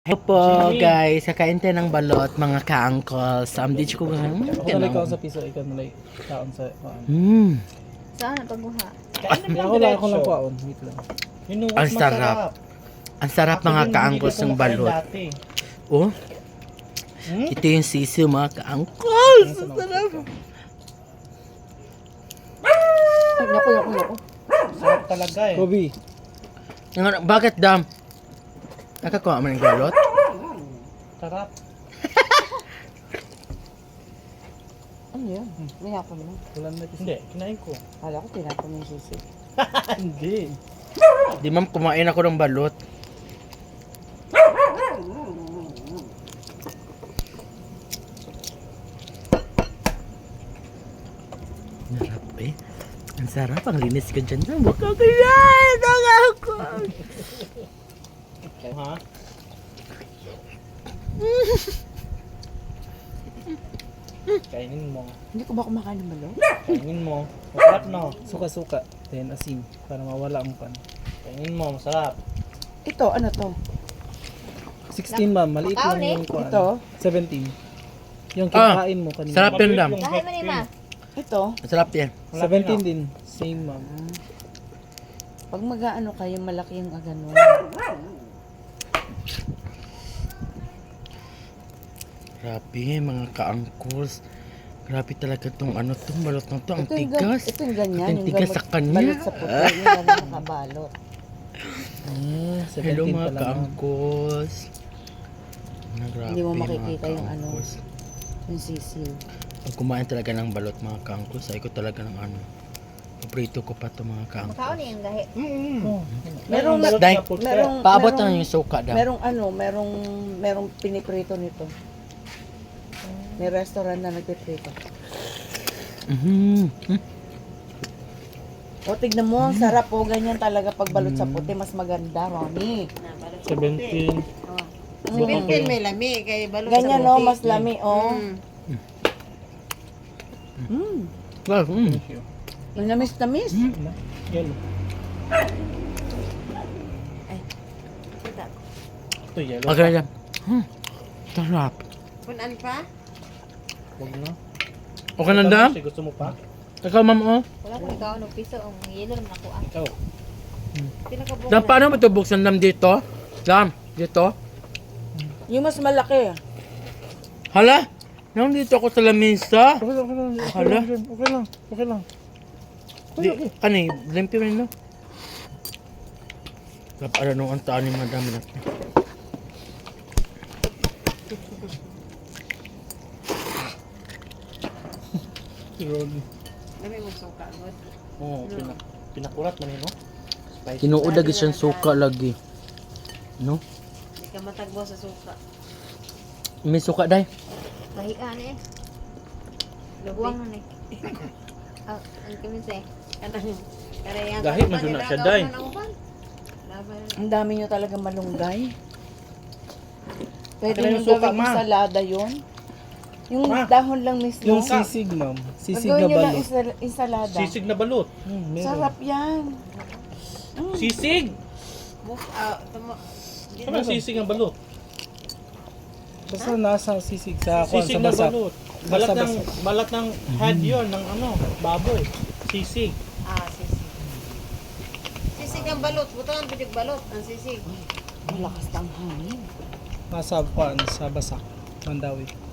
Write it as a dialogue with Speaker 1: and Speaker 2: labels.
Speaker 1: Hello po guys, kakain tayo ng balot mga ka-uncles. Dito ko
Speaker 2: Ako sa piso, ikaw nalay kaon sa
Speaker 3: Saan pagbuha?
Speaker 2: Ako lang kuwaon. Wait lang.
Speaker 1: Ang sarap. Ang sarap mga ka-uncles ng balot. Oh, ito yung sisiw mga ka-uncles. Ang sarap.
Speaker 3: Naku.
Speaker 4: Sarap talaga eh.
Speaker 2: Kobe.
Speaker 1: Bakit dam? Nakakuha mo ng balot?
Speaker 4: Sarap.
Speaker 3: Ano yun? Mayakon mo.
Speaker 2: Wala na
Speaker 4: Hindi, kinain ko.
Speaker 3: Kala ko tinapon mo yung sisi.
Speaker 4: Hindi.
Speaker 1: Di ma'am, kumain ako ng balot. Sarap eh. Ang sarap, ang linis ka dyan. Huwag ka ganyan! Ang ako!
Speaker 4: Ha? Kainin mo.
Speaker 3: Hindi ko ba kumakain ng balot?
Speaker 4: Kainin mo. Masarap no.
Speaker 2: Suka-suka. Then asin. Para mawala ang pan.
Speaker 4: Kainin mo, masarap.
Speaker 3: Ito, ano to?
Speaker 2: 16 ma'am. Maliit lang yung kuwan.
Speaker 3: Ito?
Speaker 2: 17. Yung kinakain mo kanina.
Speaker 1: Sarap yun, dam.
Speaker 3: Dahil mo ni ma. Ito?
Speaker 1: Masarap yan.
Speaker 2: 17 din. Same ma'am.
Speaker 3: Pag mag-ano kayo, malaki yung agano.
Speaker 1: Grabe, mga ka-uncles. Grabe talaga tong ano tong balot na to. Ang
Speaker 3: Ito yung
Speaker 1: tigas.
Speaker 3: Ito yung ganyan.
Speaker 1: Ang tigas sa kanya.
Speaker 3: Balot sa puti. Yung ganyan nakabalot.
Speaker 1: Hello
Speaker 2: 17
Speaker 1: mga
Speaker 2: pa lang, ma'am.
Speaker 1: ka-uncles. Grabe,
Speaker 3: Hindi mo
Speaker 1: mga
Speaker 3: makikita yung ano.
Speaker 1: ka-uncles.
Speaker 3: Yung sisiw.
Speaker 1: Pag kumain talaga ng balot mga ka-uncles, ay ko talaga ng ano. Paborito ko pa to mga ka-uncles.
Speaker 3: Makaon yung gahi.
Speaker 2: Merong
Speaker 1: Dahil,
Speaker 3: Merong,
Speaker 1: paabot
Speaker 3: merong-
Speaker 1: na yung suka daw.
Speaker 3: merong piniprito nito. May restaurant na nagpiprito.
Speaker 1: Mhm.
Speaker 3: O, tignan mo, ang sarap po. Ganyan talaga pag balot sa puti. Mas maganda, Ronnie.
Speaker 4: 17.
Speaker 3: Mm.
Speaker 5: may lami kay balot
Speaker 3: Ganyan,
Speaker 5: sa
Speaker 3: no?
Speaker 5: puti.
Speaker 3: Mas lami, oh.
Speaker 1: Wow,
Speaker 3: Yung namis-namis.
Speaker 4: Yellow. Ito yellow.
Speaker 1: Okay lang. Sarap.
Speaker 5: Kunan pa?
Speaker 4: Huwag na.
Speaker 1: Okay na dam?
Speaker 4: Kasi gusto mo pa?
Speaker 1: Ikaw ma'am oh.
Speaker 3: Wala ko ikaw, no? Piso, ang yelo naman ako.
Speaker 4: Ikaw.
Speaker 3: Pinakabuo
Speaker 1: Dam, paano mo ito buksan dam dito? Dam, dito?
Speaker 3: Yung mas malaki.
Speaker 1: Hala? Nang dito ako sa lamesa.
Speaker 2: Okay lang, okay lang.
Speaker 1: Hala?
Speaker 2: Okay lang. Okay lang.
Speaker 1: Di, kani, limpi mo nino. Kapara nung ang taan ni madam na.
Speaker 4: Si Ronnie.
Speaker 5: Lami mo suka mo.
Speaker 4: Oo, pinakurat man yun, no? Spicy.
Speaker 1: Tinuod lagi siyang suka lagi. No?
Speaker 5: Di ka matagbo sa suka.
Speaker 1: May suka day.
Speaker 3: Kahian eh.
Speaker 5: Lubuang
Speaker 3: na eh.
Speaker 5: ang kami say. Kanang karayang.
Speaker 4: Gahit man yun na siya, day.
Speaker 3: Ang dami nyo talaga malunggay. Pwede
Speaker 4: Akin na
Speaker 3: nyo
Speaker 4: yung suka,
Speaker 3: gawing
Speaker 4: ma.
Speaker 3: salada yun. Yung
Speaker 4: Ma.
Speaker 3: dahon lang mismo.
Speaker 2: Yung sisig ma'am. Sisig na
Speaker 3: Gawin nyo lang
Speaker 2: balot.
Speaker 3: ensalada.
Speaker 4: Sisig na balot.
Speaker 2: Meron.
Speaker 3: Sarap yan.
Speaker 4: Sisig!
Speaker 5: Move
Speaker 4: Ano ang sisig ng balot?
Speaker 2: Basta nasa sisig sa kuwan
Speaker 4: Sisig
Speaker 2: sa
Speaker 4: na
Speaker 2: basa.
Speaker 4: balot. Balat ng,
Speaker 2: Basa-basa.
Speaker 4: balat ng head yun, ng ano, baboy. Sisig.
Speaker 5: sisig. Sisig ang balot. Butangan pidig balot ang sisig.
Speaker 3: Malakas ang hangin.
Speaker 2: Nasa kuwan sa basa. Mandawi.